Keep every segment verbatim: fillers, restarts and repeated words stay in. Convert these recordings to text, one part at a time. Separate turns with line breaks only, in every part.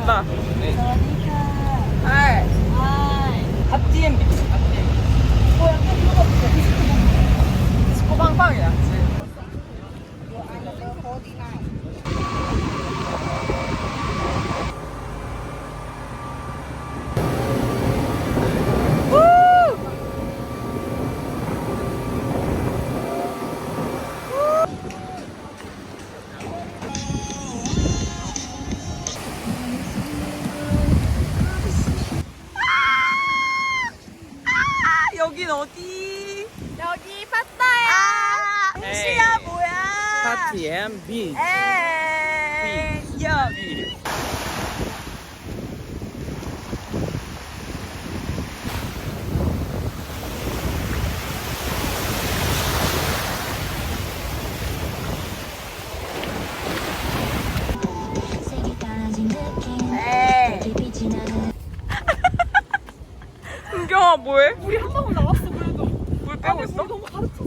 간다.
네.
하이. 갓디엠 비치, 갓디엠. 뭐 약간 이거 같아. 디스코 팡팡이야, 그치? 여긴 어디?
여기 파타야.
아, 홍시야 뭐야?
파티 앤 비.
에이, 야. 은경아 뭐해?
우리 한 방울 나왔어 그래도.
물 빼고
아니,
있어?
우리 너무 가르쳤어.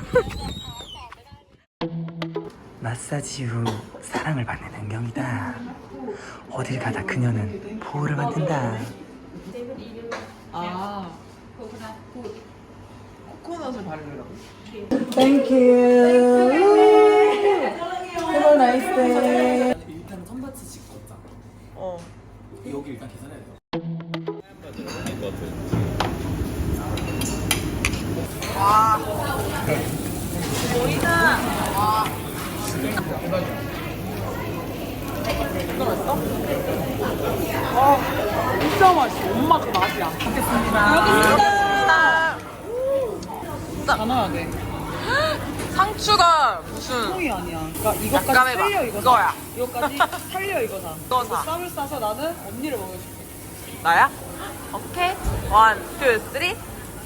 마사지 후 사랑을 받는 은경이다. 어딜 가다 그녀는 보호를 받는다.
아. 코코넛을 바르려고.
Thank you. Have a nice day.
일단 텀바치 찍고 왔잖아.
어.
여기 일단 계산해야 돼.
와. 보이나? 와. 진짜 맛있어? 와, 진짜 맛있어. 엄마 그 맛이야. 먹겠습니다. 여기 있습니다. 진짜 다 넣어야 돼. 상추가 무슨
통이 아니야. 그러니까 이것까지
약간 해봐.
살려 이거
이거야.
사. 이거까지 살려 이거 사.
이거 사.
쌈을 싸서 나는 언니를 먹여줄게.
나야? 오케이. 원, 투, 쓰리.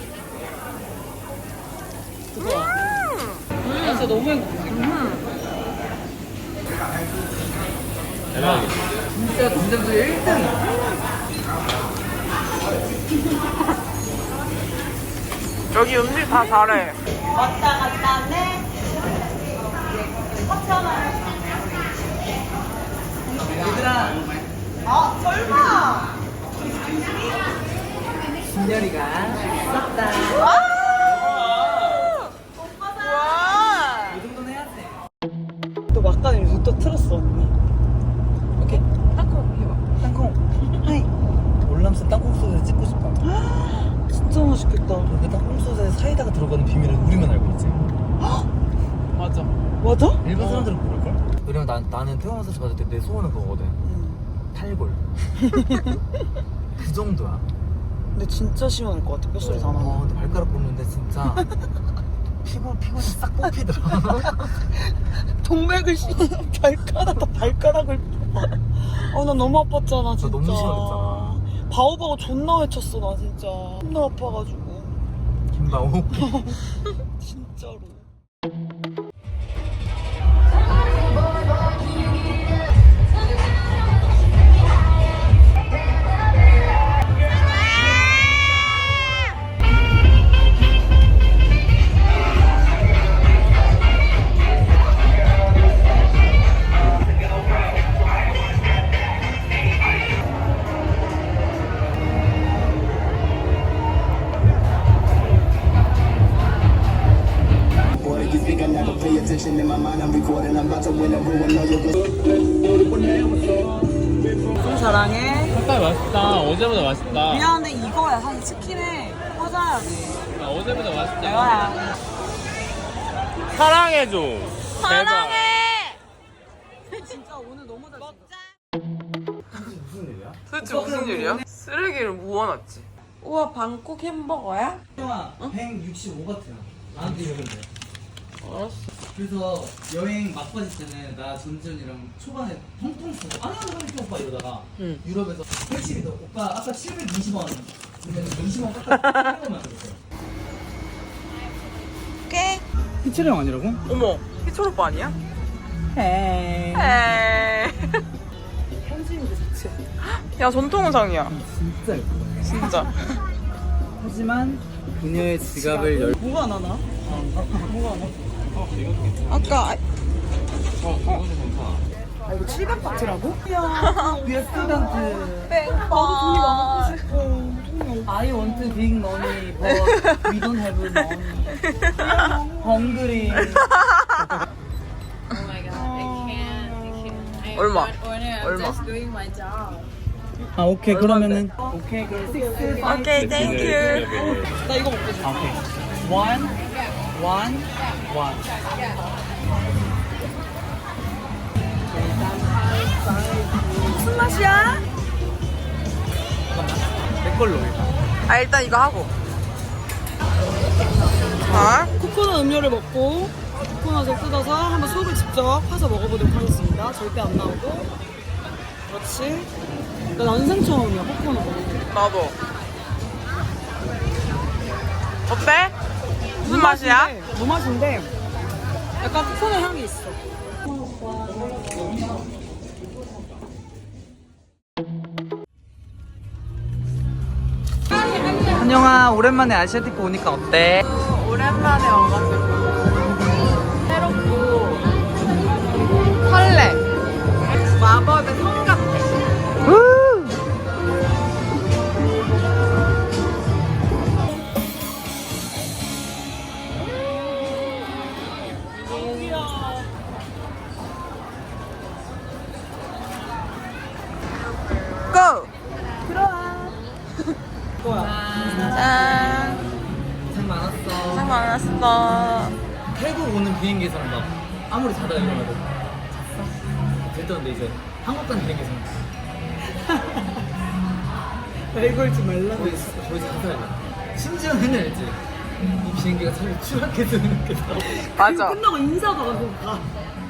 그거야. 나 진짜 너무 행복해.
진짜 동생들 일 등.
여기 음식 다 잘해.
왔다 갔다 네.
얘들아.
아 설마.
진열이가 썼다.
와!
이 정도는 해야 돼.
또 막간을 요즘 또 틀었어 언니.
오케이.
땅콩 해봐.
땅콩. 하이.
월남쌈 땅콩 소스 찍고 싶다.
진짜 맛있겠다.
근데 땅콩 소스에 사이다가 들어가는 비밀은 우리만 알고 있지.
맞아.
맞아?
일반 사람들은 모를걸? 왜냐면 난, 나는 태원 마사지 받을 때 내 소원은 그거거든. 탈골. 그 정도야.
근데 진짜 시원할 것 같아. 뼛소리 다
어,
나네.
근데 발가락 뽑는데 진짜 피부, 피부이 싹 뽑히더라.
동맥을 씨 발가락 다 발가락을 뽑아. 어나 너무 아팠잖아 진짜.
너무 시원했잖아.
바오바오 존나 외쳤어 나 진짜. 존나 아파가지고.
김바오.
진짜로. 좀 사랑해.
색깔 맛있다. 어제보다 맛있다.
미안한데 이거야 사실 치킨에 꽂아야지.
아, 어제보다 맛있다.
이거야.
사랑해줘.
사랑해.
진짜 오늘 너무 잘 먹자.
무슨 일이야?
도대체 무슨 일이야? 쓰레기를 모아놨지.
우와 방콕 햄버거야?
형아, 백육십오 바트야. 나한테 이러면 돼.
알았어.
그래서 여행 막바지 때는 나 전지현이랑 초반에 통통 쓰고 아니 아니 아니 오빠 이러다가
응.
유럽에서 팔십이다 오빠 아까 칠백이십 원 그러면 이십 원 깎아 깎아만 들었어요.
꽤.
희철이 형 아니라고?
어머, 희철 오빠 아니야?
헤이.
에이.
현지인들 자체.
야, 전통 의상이야.
진짜 예쁘다.
진짜.
하지만 그녀의 지갑을 열
뭐가 안 하나?
어,
뭐가 안 나? 아까
어, 이것도 괜찮아.
아 이거 칠백 바트라고? 야 위에 스튜던트 나도 돈이 많고 싶어. 돈이 없어. I want big money but we don't have money. Hungry.
Oh my god, I can't. I can't. I am
얼마?
not owner. I'm
얼마?
just doing my job.
아 오케이 그러면은 오케이 그럼 six
오케이, 땡큐.
나 이거 먹고 싶어. 오케이. One, one, one. 무슨 맛이야?
내 걸로 해.
아, 일단 이거 하고. 자,
코코넛 음료를 먹고 코코넛을 뜯어서 한번 속을 직접 파서 먹어보도록 하겠습니다. 절대 안 나오고. 그렇지. 나 난생 처음이야 코코넛 먹는 거.
나도. 어때? 무슨 맛이야?
무 맛인데 약간 코코넛 향이 있어.
한영아 오랜만에 아시아티크 오니까 어때?
오랜만에 와가지고 새롭고 설레. 마법의 성 같아. 고! 짠.
고생 많았어.
고생 많았어.
태국 오는 비행기에서는 막 아무리 자다 일어나도 잤어? 됐던데 이제 한국 가는 비행기에서는
발걸지 말라고
거의 거의 자다 심지어는 알지? 이 비행기가 차라리 추락했으면 좋겠어.
맞아.
끝나고 인사가 가서 가.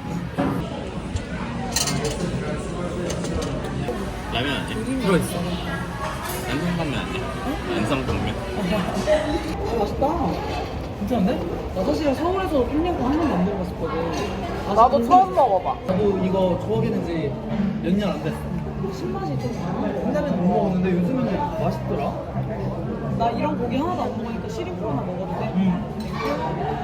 라면 아니야?
들어있어.
안성탕면 아니야? 안성탕면.
아, 맛있다.
괜찮은데?
나 사실 서울에서 팬냥고 한 번도 안 먹어봤었거든.
나도 처음 먹어봐.
나도 이거 좋아하기는 지 몇 년 안 됐어.
신맛이 좀 강한
옛날에는 못 먹었는데 요즘에는 맛있더라.
거. 나 이런 고기 하나도 안 먹으니까 시림프 하나 먹어도 돼?
응.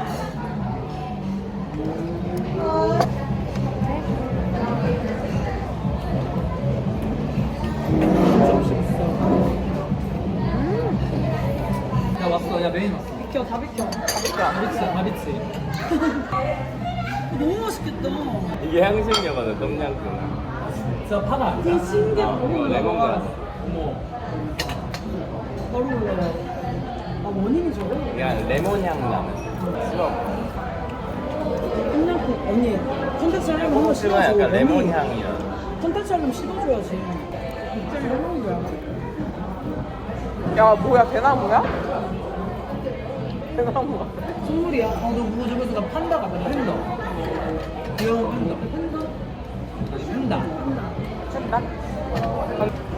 야 왔어. 야 메인 왔어.
비켜, 다 비켜.
다비치 다비치.
너무 맛있겠다.
이게 향신료거든, 똠양꿍.
진짜 파가.
되게 신기해.
어,
바로
이거
올라와.
레몬그라스.
어머.
바로 올라와. 아, 원인이 저거?
그냥 레몬향 나는. 싫어.
팬냥고 언니, 컨텐츠 하려면 한번
호수가
씹어줘.
약간
레몬.
레몬향이야.
컨텐츠 하려면 씹어줘야지. 갑자기 해먹는 거야.
야, 뭐야, 대나무야? 대나무야.
선물이야.
어, 너 그거 저번에 나 판다 같아. 팬다. 귀여운 팬다. 팬다? 팬다.
된다.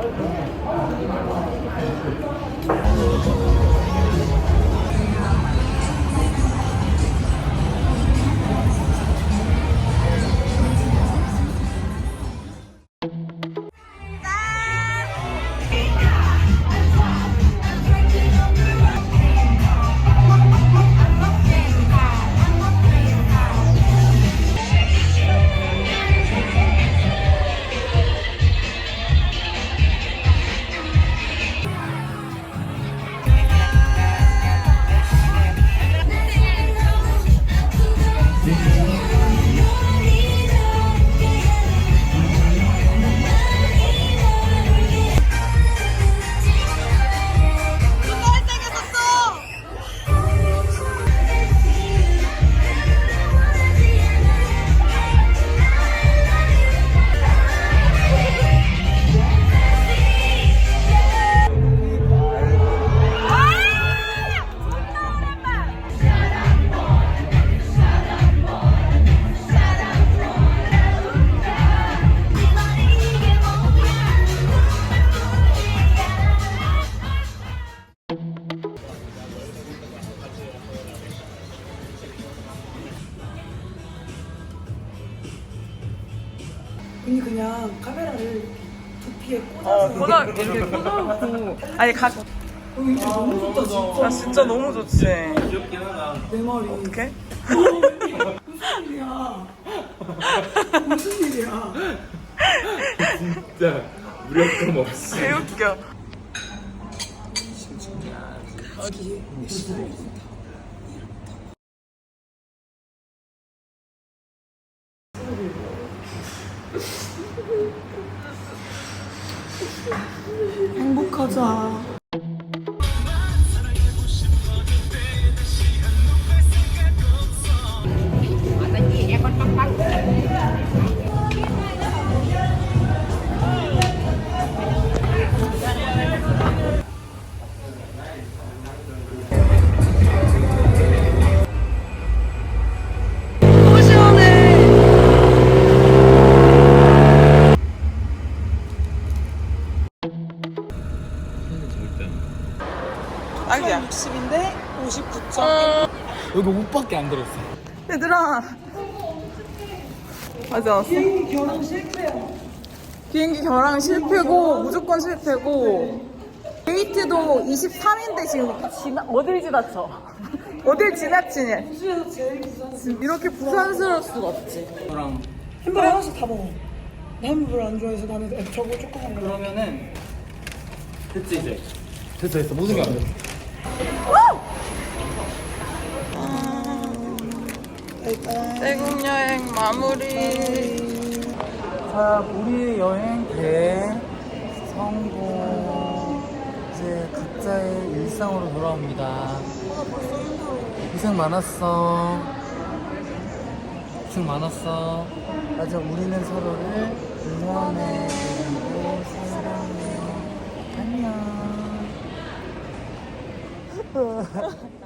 언니 그냥 카메라를 두피에
어,
꽂아서
꽂아, 이렇게 꽂아놓고. 아니, 가.
어, 이거 너무 좋다 진짜.
야, 진짜 너무 좋지.
귀엽긴 하다.
내 말이
어떡해?
무슨 일이야 무슨 일이야 소리야.
진짜 무력감 없이.
개웃겨.
어디? 행복하자.
너무 시원해. 딱이야.
육십인데 오십구 점.
어,
여기 옷밖에 안 들었어.
얘들아. 맞아. 왔어.
비행기 결혼 실패야.
비행기 결항 실패고 무조건 실패고 데이트도 이십삼인데 지금 지나, 어딜 지나쳐? 어딜 지나치냐?
호주에서 제일 비싼.
이렇게 부산스러울 수가 없지.
저랑
햄버거 하나씩 다 먹어. 나 햄버거 별로 안 좋아해서 나는 저거 조금만 먹어.
그러면은 됐지 이제. 됐어 됐어 모든 게 안 됐어.
태국 여행 마무리.
자, 우리의 여행 대 성공. 이제 각자의 일상으로 돌아옵니다. 고생 많았어. 고생 많았어. 맞아, 우리는 서로를 응원해 그리고 사랑해. 안녕.